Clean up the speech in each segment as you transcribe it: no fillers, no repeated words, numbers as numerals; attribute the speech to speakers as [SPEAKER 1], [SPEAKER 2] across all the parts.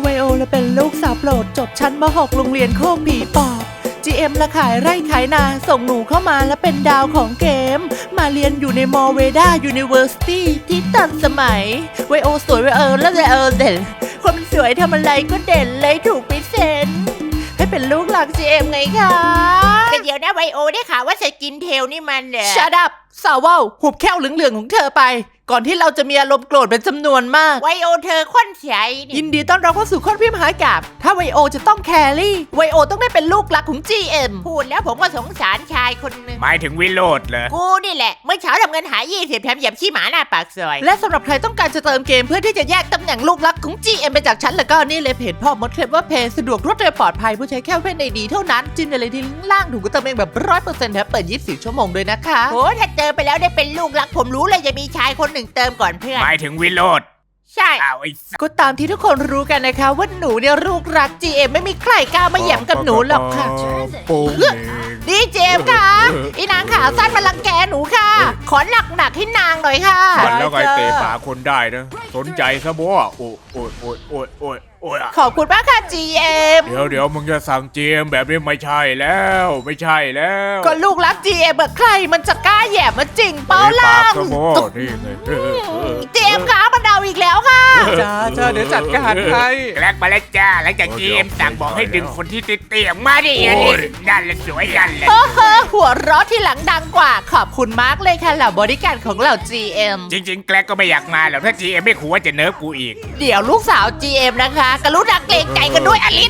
[SPEAKER 1] วโอและเป็นลูกสาวโปรดจบชั้นม.6 โรงเรียนโคกผีปอบ GM ละขายไร่ขายนาส่งหนูเข้ามาและเป็นดาวของเกมมาเรียนอยู่ในมอเวดายูนิเวอร์ซิตี้ที่ทันสมัยไวโอสวยแล้วเด่นคนมันสวยทำอะไรก็เด่นเลยถูกพิเศษให้เป็นลูกหลัก GM ไงคะ
[SPEAKER 2] แต่เดี๋ยวนะไวโอได้ข่าวว่าสกินเทลนี่มัน
[SPEAKER 1] Shut up สาวว่าวหุบแก้วเหลืองๆของเธอไปก่อนที่เราจะมีอารมณ์โกรธเป็นจำนวนมาก
[SPEAKER 2] ไวโอเธอค้นใช้
[SPEAKER 1] ยินดีต้อนรับเข้าสู่ค้นพิมหากาบถ้าไวโอจะต้องแครี่ไวโอต้องได้เป็นลูกรักของ GM
[SPEAKER 2] พูดแล้วผมก็สงสารชายคนนึง
[SPEAKER 3] หมายถึงวิโรจน์เหรอ
[SPEAKER 2] กูนี่แหละเมื่อเช้าทำเงินหา20แถมเหยียบขี้หมาหน้าปากซอย
[SPEAKER 1] และสำหรับใครต้องการจะเติมเกมเพื่อที่จะแยกตำแหน่งลูกรักของ GM ไปจากฉันแล้วก็นี่เลยเพจพ่อมดเคลมว่าเพจสะดวกรวดเร็วปลอดภัยผู้ใช้แค่เพื่อนในดีเท่านั้นจิ้มเลยที่ลิงก์ล่างถูกก็เติมเองแบบ 100% แถมเปิด24ชั่วโมงด้วยนะคะ
[SPEAKER 2] โอ้ถ้าเจอไปแล้วได้เป็นลูกรักผมรู้เลยจะมีชายคนหนึ่งเติมก่อนเพื่อน
[SPEAKER 3] หมายถึงวิโรจน์
[SPEAKER 2] ใช่
[SPEAKER 1] ก็ตามที่ทุกคนรู้กันนะคะว่าหนูเนี่ยลูกรัก GM ไม่มีใครกล้ามาแย่งกับหนูหรอกค่ะดีเจมค่ะอีนางขาสั้นมาลังแกหนูค่ะขอหนักให้นางหน่อยค่ะ
[SPEAKER 3] แล้วไงเตะปากคนได้นะสนใจซะบ่โอ้ย
[SPEAKER 1] ขอบคุณมากค่ะ GM
[SPEAKER 3] เดี๋ยวมึงจะสั่ง GM แบบนี้ไม่ใช่แล้ว
[SPEAKER 1] ก็ลูกรัก GM แบบใครมันจะกล้าแย่มาจริงเปล่าล่ะ
[SPEAKER 3] นี่ไง
[SPEAKER 1] GM ค่ะมันเดาอีกแล้วค่ะจ้าเดี๋ยวจัดการให้
[SPEAKER 3] แกลกมาแล้วจ้าหลังจาก GM สั่งบอกให้ดึงคนที่เตี้ยมาดินั่นแหละสวยนั่นแหละ
[SPEAKER 1] หัวเราะที่หลังดังกว่าขอบคุณมากเลยค่ะเหล่าบริการของเหล่า GM
[SPEAKER 3] จริงๆแกลกก็ไม่อยากมาหรอกถ้า GM ไม่ขู่ว่าจะเนิร์ฟกูอีก
[SPEAKER 1] เดี๋ยวลูกสาว GM นะคะกรุณาเกรงใจกันด้วยอลิส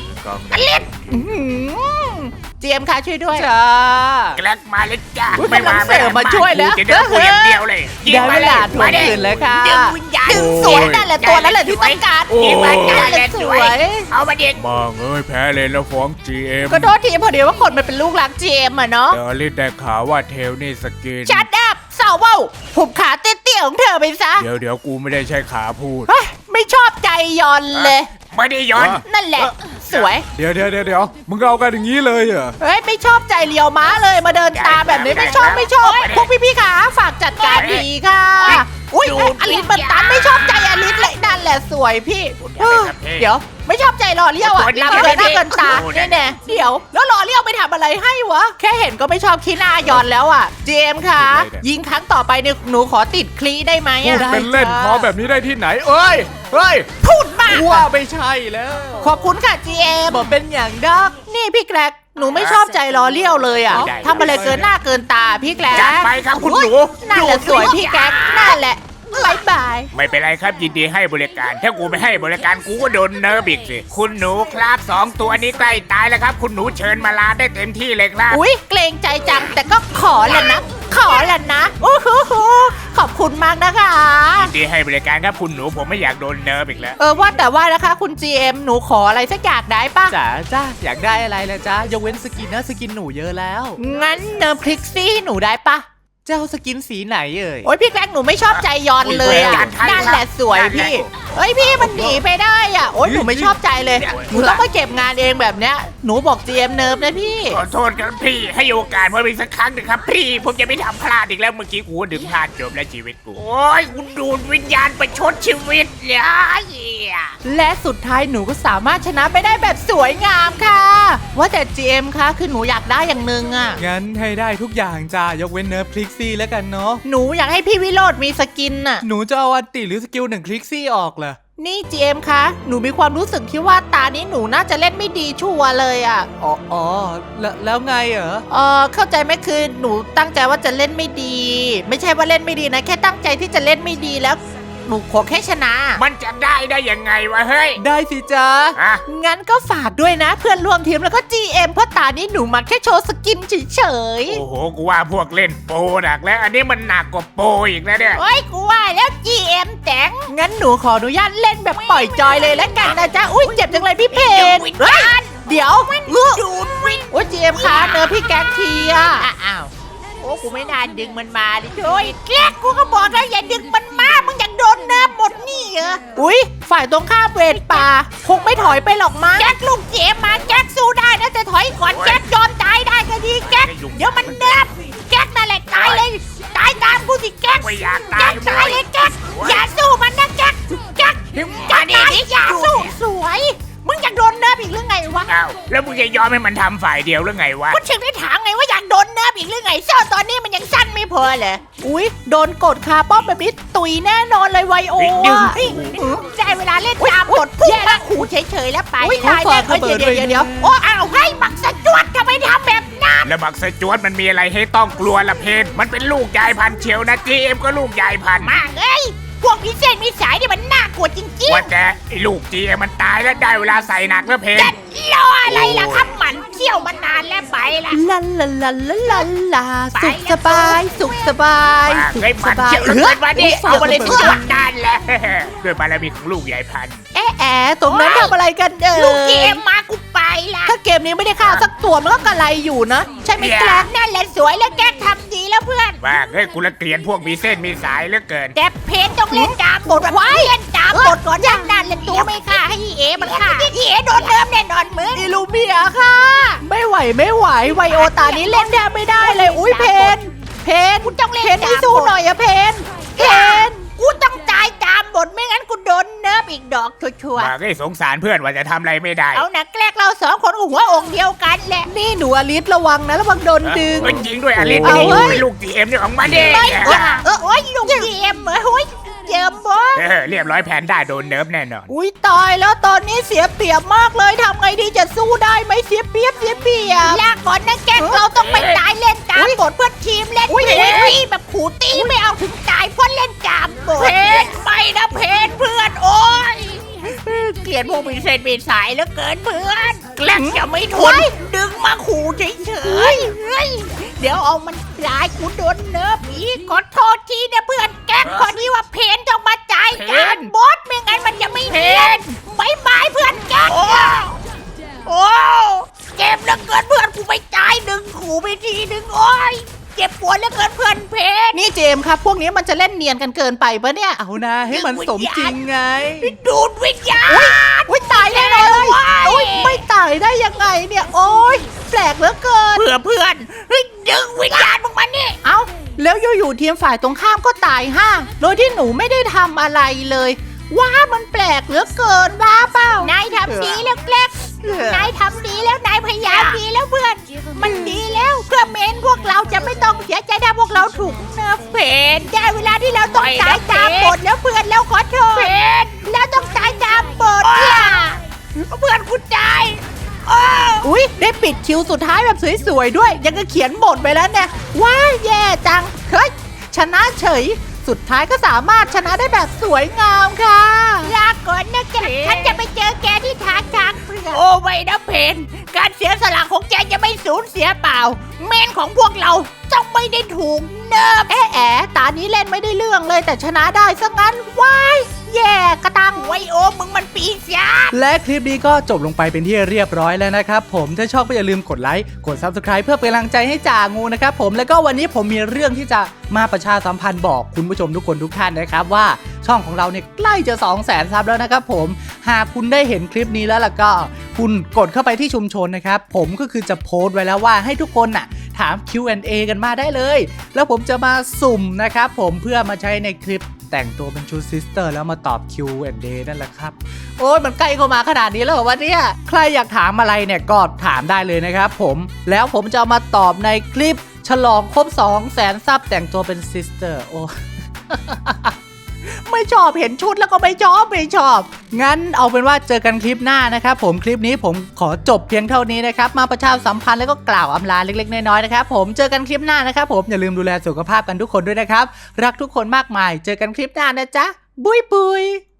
[SPEAKER 1] GM ค่ะช่วยด้วยจ้า
[SPEAKER 3] แกลกมาเลยจ้า
[SPEAKER 1] ไม่มาช่วยแล้ว
[SPEAKER 3] จะเดินกูอย่างเดียวเลย
[SPEAKER 1] ได้เวลาทวงคืนแล้วค่ะ
[SPEAKER 2] ดึงวิญญาณ
[SPEAKER 1] สวยนั่นแหละตัวนั้นแหละที่ต้องการ
[SPEAKER 2] นั่นแหละสวยเอามาเด็ก
[SPEAKER 3] มาแพ้เลยแล้วฟ้อง GM
[SPEAKER 1] ก็โทษทีพอดีว่าคนมันเป็นลูกรัก GM อะเนาะ
[SPEAKER 3] เดี๋ยวรีบแต่ข่าวว่าเทลนี่สกิน
[SPEAKER 1] ชัดอัพสาวว่าวหุบขาเตี้ยๆของเธอไปซะ
[SPEAKER 3] เดี๋ยวกูไม่ได้ใช้ขาพูด
[SPEAKER 1] ไม่ชอบใจยอนเลย
[SPEAKER 3] ไม่ได้ย้อน
[SPEAKER 1] นั่นแหละสวย
[SPEAKER 3] เดี๋ยวมึงเอากันอย่างนี้เลยเหรอ
[SPEAKER 1] ไม่ชอบใจเลียวม้าเลยมาเดินตามแบบนี้ไม่ชอบพวกพี่ขาฝากจัดการดีค่ะอุ้ยอลิสมันตันไม่ชอบใจอลิสเลยนั่นแหละสวยพี่เดี๋ยวไม่ชอบใจหล่อเลี้ยวอ่ะหน้าเกินตาแน่เดี๋ยวแล้วหล่อเลี้ยวไปทำอะไรให้วะแค่เห็นก็ไม่ชอบขี้หน้ายอนแล้วอ่ะเจมค่ะยิงครั้งต่อไปเนี่ยหนูขอติดคลีได้ไหม
[SPEAKER 3] เป็นเล่นขอแบบนี้ได้ที่ไหนเอ้ย
[SPEAKER 1] พูดมาก
[SPEAKER 3] ว่าไม่ใช่แล้ว
[SPEAKER 1] ขอบคุณค่ะ GM บอกเป็นอย่างดักนี่พี่แกรกหนูไม่ชอบใจล้อเลี้ยวเลยอ่ะทำอะไรเกินหน้าเกินตาพี่แกรก
[SPEAKER 3] จัดไปครับคุณหนู
[SPEAKER 1] นั่นแหละสวยพี่แกรกนั่นแหละบาย
[SPEAKER 3] ไม่เป็นไรครับยินดีให้บริการถ้ากูไม่ให้บริการกูก็โดนเนิร์ฟอีกสิคุณหนูครับ2ตัวนี้ใกล้ตายแล้วครับคุณหนูเชิญมาลาได้เต็มที่เลยครับ
[SPEAKER 1] อุ้ยเกรงใจจังแต่ก็ขอแหละนะโอ้โหขอบคุณมากนะคะ
[SPEAKER 3] ยินดีให้บริการครับคุณหนูผมไม่อยากโดนเนิร์ฟอีกแล้ว
[SPEAKER 1] ว่าแต่ว่านะคะคุณ GM หนูขออะไรสักอย่างได้ปะจ้าอยากได้อะไรละจ้ายกเว้นสกินนะสกินหนูเยอะแล้วงั้นเนิร์ฟคลิกซี่หนูได้ปะเจ้าสกินสีไหนโอ้ยพี่แกล้งหนูไม่ชอบใจยอนเลยอ่ะนั่นแหละสวยพี่พี่มันหนีไปได้อ่ะโอ้ยหนูไม่ชอบใจเลยหนูต้องมาเก็บงานเองแบบเนี้ยหนูบอก GM เนิร์ฟนะพี่
[SPEAKER 3] ขอโทษครับพี่ให้โอกาสผมอีกสักครั้งหนึ่งครับพี่ผมจะไม่ทำพลาดอีกแล้วเมื่อกี้กูดึงพลาดจบแล้วชีวิตกูโอ้ยกูดูดวิญญาณไปชดชีวิต
[SPEAKER 1] และสุดท้ายหนูก็สามารถชนะไปได้แบบสวยงามค่ะว่าแต่ GM คะคือหนูอยากได้อย่างนึงอ่ะ
[SPEAKER 4] งั้นให้ได้ทุกอย่างจ้ายกเว้นเนิร์ฟคลิกซี่แล้วกันเนาะ
[SPEAKER 1] หนูอยากให้พี่วิโรจน์มีสกินน่ะ
[SPEAKER 4] หนูจะเอาอันติหรือสกิล1คลิกซี่ออกเหรอ
[SPEAKER 1] นี่ GM คะหนูมีความรู้สึกที่ว่าตานี้หนูน่าจะเล่นไม่ดีชัวร์เลยอ่ะ
[SPEAKER 4] อ๋อแล้วไงเหรอ
[SPEAKER 1] เข้าใจไหมคือหนูตั้งใจว่าจะเล่นไม่ดีไม่ใช่ว่าเล่นไม่ดีนะแค่ตั้งใจที่จะเล่นไม่ดีแล้วหนูขอแค่ชนะ
[SPEAKER 3] มันจะได้ยังไงวะเฮ้ย
[SPEAKER 4] ได้สิจ๊ะ
[SPEAKER 1] งั้นก็ฝากด้วยนะเพื่อนร่วมทีมแล้วก็ GM เพราะตานี้หนูมาแค่โชว์สกินเฉย
[SPEAKER 3] โอ้โหกูว่าพวกเล่นโปรหนักแล้วอันนี้มันหนักกว่าโปรอีกแล้วเนี่ย
[SPEAKER 2] โอ้ยกูว่าแล้ว GM แต่ง
[SPEAKER 1] งั้นหนูขออนุญาตเล่นแบบปล่อยจอยเลยแล้วกันนะจ๊ะอุ้ยเจ็บจังเลยพี่เพนเดี๋ยว
[SPEAKER 2] ดูดวิญ
[SPEAKER 1] โอ้ย GM คะเนื้อพี่แก๊กทีอ่ะ
[SPEAKER 2] อ้าวโอ้กูไม่น่าดึงมันมาดิโอ้ยแก๊กกูก็บอกแล้วอย่าดึงมันมามึงอยากโดนน้ำหมดนี่เหรอ
[SPEAKER 1] อุ้ยฝ่ายตรงข้ามเวรป่าคงไม่ถอยไปหรอกมั้ง
[SPEAKER 2] แก๊กลูกเจมมาแก๊กสู้ได้นะแต่ถอยก่อนแก๊กยอมตายได้ก็ดีแก๊กเดี๋ยวมันเนิบแก๊กนั่นแหละตายเลยตายตามกูสิแก๊กตายเลยแก๊กอย่าสู้มันนะแก๊กอย่าสู้สวยอีกหรือไงวะ
[SPEAKER 3] อ้าวแล้วมึงจะยอมให้มันทำฝ่ายเดียวหรือไงวะ
[SPEAKER 2] คุณถึงได้ถามไงว่าอยากโดนเนิร์ฟอีกหรือไงเสื้อตอนนี้มันยังสั้นไม่พอเลย
[SPEAKER 1] อุ้ยโดนกดคาป้อมแบบนี้ตุยแน่นอนเลยไวโอ
[SPEAKER 3] ดึง
[SPEAKER 1] อะ
[SPEAKER 2] ได้เวลาเล่นตามบทพุ่งมาขู่เฉยๆแล้วไป
[SPEAKER 1] อุ้ย
[SPEAKER 2] ได้
[SPEAKER 1] ตายแน่เดี๋ยว
[SPEAKER 2] โอ้อ้าวให้บักสะจวดทำไมทำแบบนั้น
[SPEAKER 3] แล้วบักสจวตมันมีอะไรให้ต้องกลัวละเพนมันเป็นลูกยายพันธุ์เชียวนะ GM ก็ลูกยายพันธุ์
[SPEAKER 2] มากเอ้ยพวกพิเศษมีสายนี่มันน่ากลัวจริง
[SPEAKER 3] ว่าแต่ไอ้ลูก GM มันตายแล้วได้เวลาใส่หนักแล้วเพน
[SPEAKER 2] ๆจะรออะไรล่ะครับหมันเที่ยวมานานแล้วไปละ
[SPEAKER 1] ลาลาลาลาลาลาสุขสบายสุขสบาย
[SPEAKER 3] ว่า
[SPEAKER 1] สุข
[SPEAKER 3] ไอ้
[SPEAKER 1] ส
[SPEAKER 3] มัน
[SPEAKER 1] บาย
[SPEAKER 3] เชียวแล้วเกินมาดิ
[SPEAKER 1] ฝ
[SPEAKER 3] เอามาเลย
[SPEAKER 1] ระ
[SPEAKER 3] ทุ
[SPEAKER 1] บิ
[SPEAKER 3] ก
[SPEAKER 1] ด
[SPEAKER 3] ด้านแหละด้วยบารมีของลูกยายพันธุ์
[SPEAKER 1] แอะตรงนั้นทำอะไรกัน
[SPEAKER 2] ลูกเกมมากูไปละ
[SPEAKER 1] ถ้าเกมนี้ไม่ได้ฆ่าสักตัวมันก็กระไรอยู่นะ ใช่ไหม
[SPEAKER 3] เนี่ย
[SPEAKER 1] แกลก
[SPEAKER 2] นั่นแหละสวยแล้วแกทำดีแล้วเพื่อน
[SPEAKER 3] ว่าเฮ้ยกูละเกลียดพวกมีเส้นมีสายเหลือเกิน
[SPEAKER 2] แต่เพจต้องเล่นตามบทไว้เล่นตามบทก่อนอย่างนั้นเล่นตัวไม่ฆ่าให้อีเอมันฆ่าอีเอโดนเริ่มแน่นอนมึง
[SPEAKER 1] อิลูเมียค่ะ ไม่ไหวไวโอตานี้เล่นแทบไม่ได้เลยอุ้ยเพน
[SPEAKER 2] กูต้องเล่น
[SPEAKER 1] เพนให้สู้หน่อยอะเพน
[SPEAKER 2] กูต้องตายตามบทไม่งั้นกูโดนเนิร์ฟอีกดอกชัวร์
[SPEAKER 3] ว่าเฮ้ยสงสารเพื่อนว่าจะทำอะไรไม่ได้
[SPEAKER 2] ๆเอานะแกล้งเราสองคนก็หัวอกเดียวกันแหละ
[SPEAKER 1] นี่หนูอลิสระวังนะระวังโดนดึง
[SPEAKER 3] เฮ้ยจริงด้วยอลิส
[SPEAKER 1] เอา
[SPEAKER 3] นี่
[SPEAKER 1] เว้ย
[SPEAKER 3] เป็นลูก GM เนี่ยของมันเอง
[SPEAKER 2] ไม่จ้าโอ้ยลุงเกมโอ้ยเจิมบอส
[SPEAKER 3] เรียบร้อยแผนได้โดนเนิร์ฟแน่นอน
[SPEAKER 1] อุ้ยตายแล้วตอนนี้เสียเปรียบมากเลยทำไงดีจะสู้ได้ไหมเสียเปรียบ
[SPEAKER 2] ลาก่อนนะแกเราต้องไปตายเล่นตามบทเพื่อทีมเล่นตีแบบขู่ตีไม่เอาถึงตายเพราะเล่นตามบทเพจไม่นะเพจเพื่อนโอ้ยเกลียดพวกมีเส้นมีสายเหลือเกินเพื่อนแกล้งจะไม่ทนดึงมาขู่เฉยๆเฮ้ยเดี๋ยวเอามันตายกูโดนเนิร์ฟอีกขอโทษทีนะเพื่อนแกล้งคนที่ว่าเพนต้องมาจ่ายการบอสไม่งั้นมันจะไม่เนียนบายบายเพื่อนแกล้ง โอ้เจ็บเหลือเกินเพื่อนกูไปตายหนึ่งขู่ไปทีหนึ่งโอ้ยเจ็บปวดเหลือเกินเพื่อนเพชร
[SPEAKER 1] นี่เจมส์ครับพวกนี้มันจะเล่นเนียนกันเกินไปปะเนี่ยเอานะให้มันสมจริงไง
[SPEAKER 2] ดูดวิญญาณ
[SPEAKER 1] อุ้ยตายแน่นอนเลยอุ้ยไม่ตายได้ยังไงเนี่ยโอ้ยแปลกเหลือเกิน
[SPEAKER 2] เพื่อนเฮ้ยดึงวิญญาณมึงมานี่
[SPEAKER 1] เอ้าแล้วอยู่ๆทีมฝ่ายตรงข้ามก็ตายห้าโดยที่หนูไม่ได้ทำอะไรเลยว้ามันแปลกเหลือเกินว้าเปล่าน
[SPEAKER 2] ายทำดีแล้วแกล้งนายทำดีแล้วนายพยายามดีแล้วเพื่อน มันดีแล้วเพื่อเมนพวกเราจะไม่ต้องเสียใจถ้าพวกเราถูกเนิร์ฟเพนได้เวลาที่เราต้องตายตามบทแล้วเพื่อนแล้วขอโทษเพนแล้วต้องตายตามบทล่ะเพื่อนคุณตายโอ้
[SPEAKER 1] อุ้ยได้ปิดคิวสุดท้ายแบบสวยๆด้วย ยังก็เขียนบทไปแล้วเนี่ยว้ายแย่จังเฮ้ยชนะเฉยสุดท้ายก็สามารถชนะได้แบบสวยงามค่ะ
[SPEAKER 2] ลาก่อนนะแกฉันจะไปเจอแกที่ทางเพื่อนโอ้ไม่นะเพนการเสียสละของแกจะไม่สูญเสียเปล่า เมนของพวกเราต้องไม่ได้ถูกเนิร์ฟ
[SPEAKER 1] แอะตานี้เล่นไม่ได้เรื่องเลยแต่ชนะได้ซะงั้นว้ายแย่กระตัง
[SPEAKER 2] ไวโอมึงมันปีศาจ
[SPEAKER 4] และคลิปนี้ก็จบลงไปเป็นที่เรียบร้อยแล้วนะครับผมถ้าชอบก็อย่าลืมกดไลค์กด Subscribe เพื่อเป็นกำลังใจให้จ่างูนะครับผมแล้วก็วันนี้ผมมีเรื่องที่จะมาประชาสัมพันธ์บอกคุณผู้ชมทุกคนทุกท่านนะครับว่าช่องของเราเนี่ยใกล้จะ 200,000 ซับแล้วนะครับผมหากคุณได้เห็นคลิปนี้แล้วล่ะก็คุณกดเข้าไปที่ชุมชนนะครับผมก็คือจะโพสต์ไว้แล้วว่าให้ทุกคนน่ะถาม Q&A กันมาได้เลยแล้วผมจะมาสุ่มนะครับผมเพื่อมาใช้ในคลิปแต่งตัวเป็นชุดซิสเตอร์แล้วมาตอบ Q&A นั่นแหละครับโอ้ยมันใกล้เข้ามาขนาดนี้แล้วเหรอวะเนี่ยใครอยากถามอะไรเนี่ยก็ถามได้เลยนะครับผมแล้วผมจะเอามาตอบในคลิปฉลองครบ 200,000 ซับแต่งตัวเป็นซิสเตอร์โอ้ ไม่ชอบเห็นชุดแล้วก็ไม่ชอบงั้นเอาเป็นว่าเจอกันคลิปหน้านะครับผมคลิปนี้ผมขอจบเพียงเท่านี้นะครับมาประชาสัมพันธ์แล้วก็กล่าวอำลาเล็กๆน้อยๆนะครับผมเจอกันคลิปหน้านะครับผมอย่าลืมดูแลสุขภาพกันทุกคนด้วยนะครับรักทุกคนมากมายเจอกันคลิปหน้านะจ๊ะบุย